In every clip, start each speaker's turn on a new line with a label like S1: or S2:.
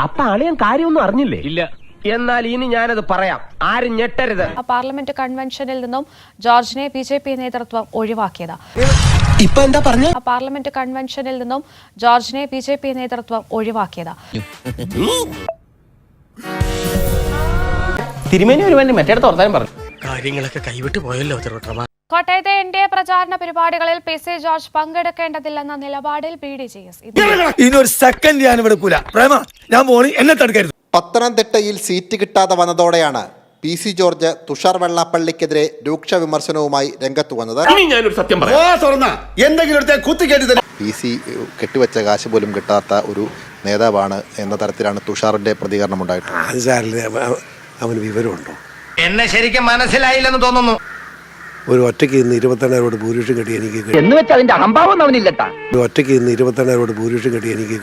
S1: അപ്പൊ അളിയൻ കാര്യമൊന്നും അറിഞ്ഞില്ലേ? ഇല്ല. എന്നാൽ ഇനി ഞാനത് പറയാം, ആരും ഞെട്ടരുത്.
S2: പാർലമെന്റ് കൺവെൻഷനിൽ നിന്നും ജോർജിനെ BJP നേതൃത്വം ഒഴിവാക്കിയത്.
S1: ഇപ്പൊ എന്താ പറഞ്ഞ?
S2: പാർലമെന്റ് കൺവെൻഷനിൽ നിന്നും ജോർജിനെ BJP നേതൃത്വം ഒഴിവാക്കിയത്.
S1: തിരുമേനി ഒരു വേണ്ടി മറ്റേടത്ത് ഓർത്താനും പറഞ്ഞു.
S3: കാര്യങ്ങളൊക്കെ കൈവിട്ട് പോയല്ലോ.
S2: കോട്ടയത്തെ NDA പ്രചാരണ പരിപാടികളിൽ PC ജോർജ് പങ്കെടുക്കേണ്ടതില്ലെന്ന നിലപാടിൽ BDJS.
S4: ഇനിയൊരു സെക്കൻഡ് ഞാൻ ഇവിടെ ഞാൻ പോണി എന്നെ തടുക്കരുത്.
S5: പത്തനംതിട്ടയിൽ സീറ്റ് കിട്ടാതെ വന്നതോടെയാണ് PC ജോർജ് തുഷാർ വെള്ളാപ്പള്ളിക്കെതിരെ രൂക്ഷ വിമർശനവുമായി രംഗത്ത് വന്നത്. PC കെട്ടിവെച്ച കാശ് പോലും കിട്ടാത്ത ഒരു നേതാവാണ് എന്ന തരത്തിലാണ് തുഷാറിന്റെ പ്രതികരണം ഉണ്ടായിട്ടുള്ളത്.
S4: അവന് വിവരമുണ്ടോ?
S1: എന്നെ ശരിക്കും മനസ്സിലായില്ലെന്ന് തോന്നുന്നു.
S4: ഒരു ഒറ്റയ്ക്ക് ഇന്ന് 22,000 ഭൂരിപക്ഷം കെട്ടി എനിക്ക്
S1: എന്ന് വെച്ചാൽ അതിന്റെ അഹംഭാവം അവനില്ലട്ടാ.
S4: ഒറ്റയ്ക്ക് ഇന്ന് 22,000 ഭൂരിപക്ഷം കെട്ടി എനിക്ക്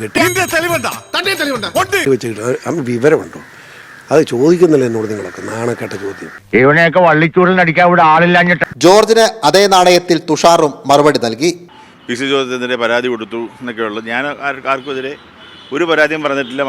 S4: അവന് വിവരമുണ്ടോ? അത് ചോദിക്കുന്നില്ല എന്നോട് നിങ്ങളൊക്കെ. നാണക്കെട്ട ചോദ്യം.
S6: ഇവനെയൊക്കെ വള്ളിച്ചൂടിനടിക്കാൻ ഇവിടെ ആളില്ലാഞ്ഞിട്ട്.
S5: ജോർജിന് അതേ നാണയത്തിൽ തുഷാറും മറുപടി നൽകി.
S7: PC ജോർജിനെതിരെ പരാതി കൊടുത്തു എന്നൊക്കെ ഉള്ളത്. ഞാൻ ആർക്കുമെതിരെ ഒരു പരാതിയും പറഞ്ഞിട്ടില്ല.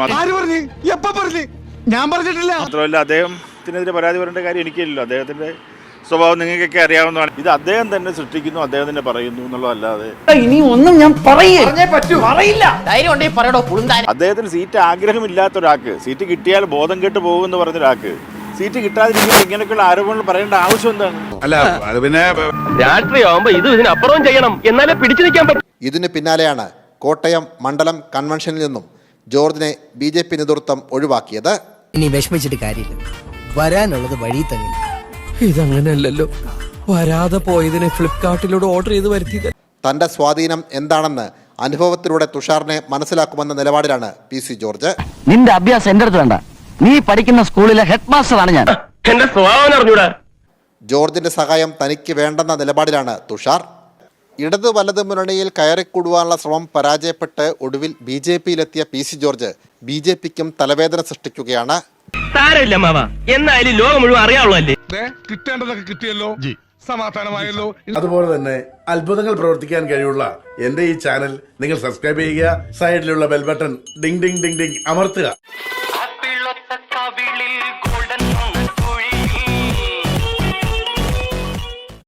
S4: ഞാൻ പറഞ്ഞിട്ടില്ല.
S7: മാത്രമല്ല അദ്ദേഹത്തിനെതിരെ പരാതി പറയേണ്ട കാര്യം എനിക്കില്ലല്ലോ. അദ്ദേഹത്തിന്റെ സ്വഭാവം നിങ്ങൾക്കൊക്കെ അറിയാവുന്നതാണ്. ഇത് അദ്ദേഹം തന്നെ സൃഷ്ടിക്കുന്നു, അദ്ദേഹം തന്നെ പറയുന്നു എന്നുള്ളതല്ലാതെ
S1: ഇനി ഒന്നും ഞാൻ പറയില്ല.
S7: അദ്ദേഹത്തിന് സീറ്റ് ആഗ്രഹമില്ലാത്ത ഒരാൾക്ക് സീറ്റ് കിട്ടിയാൽ ബോധം കെട്ട് പോകുമെന്ന് പറഞ്ഞ ഒരാൾക്ക് സീറ്റ് കിട്ടാതിരിക്കുമ്പോൾ ഇങ്ങനെയൊക്കെയുള്ള ആരോപണങ്ങൾ പറയേണ്ട ആവശ്യം എന്താണ്?
S4: അല്ല അത് പിന്നെ
S1: രാഷ്ട്രീയമാകുമ്പോ ഇതിനപ്പുറവും ചെയ്യണം, എന്നാലേ പിടിച്ചു നിൽക്കാൻ പറ്റും.
S5: ഇതിന് പിന്നാലെയാണ് കോട്ടയം മണ്ഡലം കൺവെൻഷനിൽ നിന്നും ജോർജിനെ BJP നേതൃത്വം ഒഴിവാക്കിയത്.
S8: ഇനി വിഷമിച്ചിട്ട് കാര്യമില്ല, വരാനുള്ളത് വഴി തന്നെ.
S3: ഇതങ്ങനെയല്ലല്ലോ, വരാതെ പോയതിനെ ഫ്ലിപ്കാർട്ടിലൂടെ ഓർഡർ ചെയ്ത് വരുത്തിയത്.
S5: തന്റെ സ്വാധീനം എന്താണെന്ന് അനുഭവത്തിലൂടെ തുഷാറിനെ മനസ്സിലാക്കുമെന്ന നിലപാടിലാണ് PC ജോർജ്.
S6: നിന്റെ അഭ്യാസം എന്റെ അടുത്ത് വേണ്ട. നീ പഠിക്കുന്ന സ്കൂളിലെ ഹെഡ് മാസ്റ്ററാണ് ഞാൻ.
S1: എന്റെ സ്വഭാവം അറിഞ്ഞൂടാ.
S5: ജോർജിന്റെ സഹായം തനിക്ക് വേണ്ടെന്ന നിലപാടിലാണ് തുഷാർ. ഇടത് വലത് മുന്നണിയിൽ കയറിക്കൂടുവാനുള്ള ശ്രമം പരാജയപ്പെട്ട് ഒടുവിൽ BJPയിലെത്തിയ PC ജോർജ് BJPക്കും തലവേദന സൃഷ്ടിക്കുകയാണ്.
S1: സാരമില്ല മാവ, എന്നായാലും ലോകം മുഴുവൻ അറിയാവുള്ളല്ലേ.
S4: കിട്ടേണ്ടതൊക്കെ കിട്ടിയല്ലോ, സമാധാനമായല്ലോ. അതുപോലെ തന്നെ അത്ഭുതങ്ങൾ പ്രവർത്തിക്കാൻ കഴിവുള്ള എന്റെ ഈ ചാനൽ നിങ്ങൾ സബ്സ്ക്രൈബ് ചെയ്യുക. സൈഡിലുള്ള bell button ding ding ding ding അമർത്തുക.